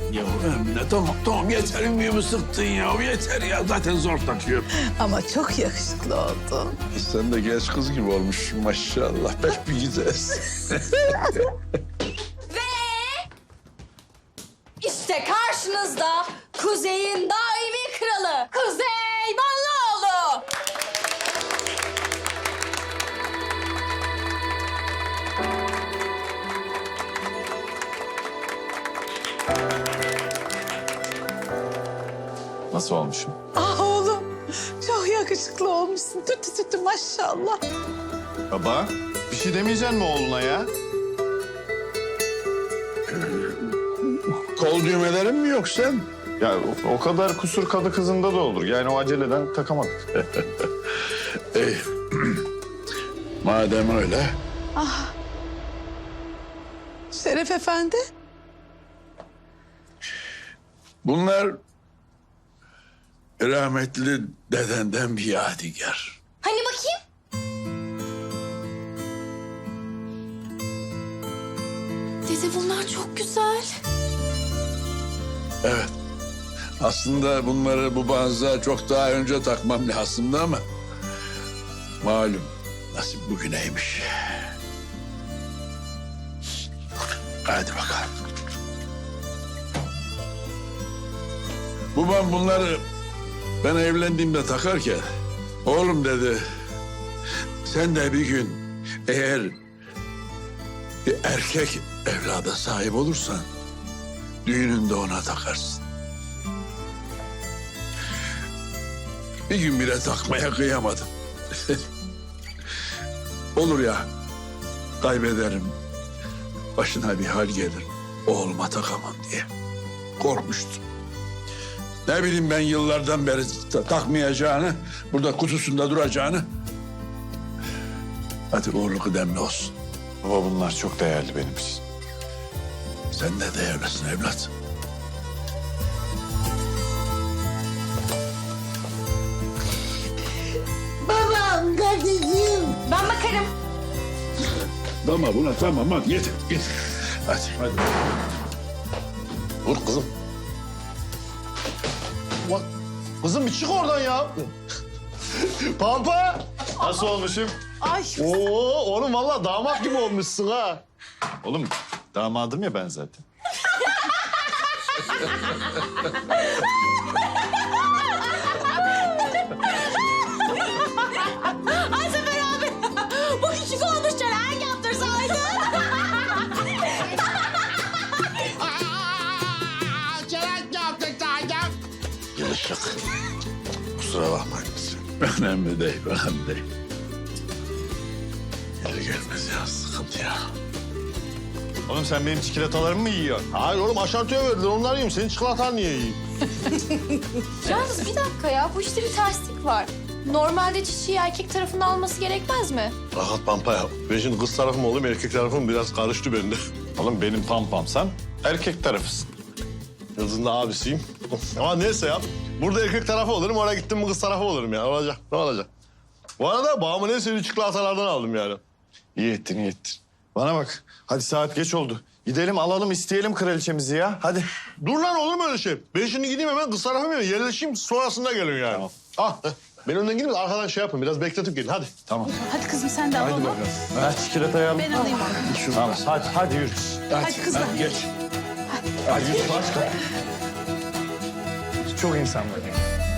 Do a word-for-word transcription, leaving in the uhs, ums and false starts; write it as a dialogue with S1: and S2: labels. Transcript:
S1: Ya Emine tamam tamam yeter ümmiğimi sıktın ya. Yeter ya zaten zor takıyorum.
S2: Ama çok yakışıklı oldun.
S1: Sen de genç kız gibi olmuşsun maşallah. Pek bir güzelsin.
S3: İşte karşınızda Kuzey'in daimi kralı Kuzey Ballıoğlu.
S4: Nasıl olmuşum?
S2: Ah oğlum, çok yakışıklı olmuşsun. Tütü tütü maşallah.
S4: Baba, bir şey demeyeceksin mi oğluna ya?
S1: Kol düğmelerin mi yok sen?
S4: Ya o, o kadar kusur kadı kızında da olur. Yani o aceleden takamadık.
S1: İyi. Madem öyle.
S2: Şeref Efendi.
S1: Bunlar rahmetli dedenden bir yadigar.
S3: Hani bakayım? Dede bunlar çok güzel.
S1: Evet. Aslında bunları bu banza çok daha önce takmam lazımdı ama... malum nasip bugüneymiş. Hadi bakalım. Babam bunları ben evlendiğimde takarken... oğlum dedi... sen de bir gün eğer bir erkek evlada sahip olursan... düğününde ona takarsın. Bir gün bile takmaya kıyamadım. Olur ya, kaybederim, başına bir hal gelir, oğluma takamam diye korkmuştum. Ne bileyim ben yıllardan beri ta- takmayacağını, burada kutusunda duracağını. Hadi uğurlu kıdemli olsun.
S4: Baba bunlar çok değerli benim için.
S1: Sen de değerlisin evlat.
S2: Babam, kardeşim.
S3: Ben bakarım.
S1: Tamam buna tamam hadi yeter yeter. Hadi hadi.
S5: Dur kızım. Bak, kızım bir çık oradan ya. Pampa.
S4: Nasıl olmuşum?
S2: Ay.
S5: Oo, oğlum vallahi damat gibi olmuşsun ha.
S4: Oğlum damadım ya ben zaten.
S3: Ay Sefer abi. Bu küçük olmuş çelen yaptırsaydın.
S1: Yılışık. Kusura bakmayın. Önemli değil, önemli değil. Gelir gelmez ya, sıkıntı ya.
S4: Oğlum sen benim çikolatalarımı mı yiyorsun?
S5: Hayır oğlum aşartıya verdiler onları yiyeyim. Senin çikolatan niye yiyeyim?
S6: Yalnız bir dakika ya, bu işte bir terslik var. Normalde çiçeği erkek tarafından alması gerekmez mi?
S5: Rahat Pampa ya. Ben şimdi kız tarafım oğlum erkek tarafım biraz karıştı bende.
S4: Oğlum benim pampam sen erkek tarafısın.
S5: Yıldız'ın da abisiyim. Ama neyse ya. Burada erkek tarafı olurum, oraya gittim mi kız tarafı olurum ya. Olacak, ne olacak? Bu arada babamın en sevdiği çikolatalardan aldım yani.
S4: İyi ettin iyi ettin. Bana bak hadi saat geç oldu. Gidelim alalım isteyelim kraliçemizi ya hadi.
S5: Dur lan olur mu öyle şey? Ben şimdi gideyim hemen kız tarafıma yerleşeyim sonrasında gelin yani.
S4: Tamam.
S5: Ah, ben önden gideyim de arkadan şey yapın biraz bekletip gelin hadi.
S4: Tamam.
S2: Hadi kızım sen de al onu.
S4: Ver çikolatayı al.
S2: Ben alayım onu.
S4: Tamam hadi hadi yürü.
S2: Hadi kızlar.
S1: Geç.
S4: Hadi yürü başla. Çok insan var.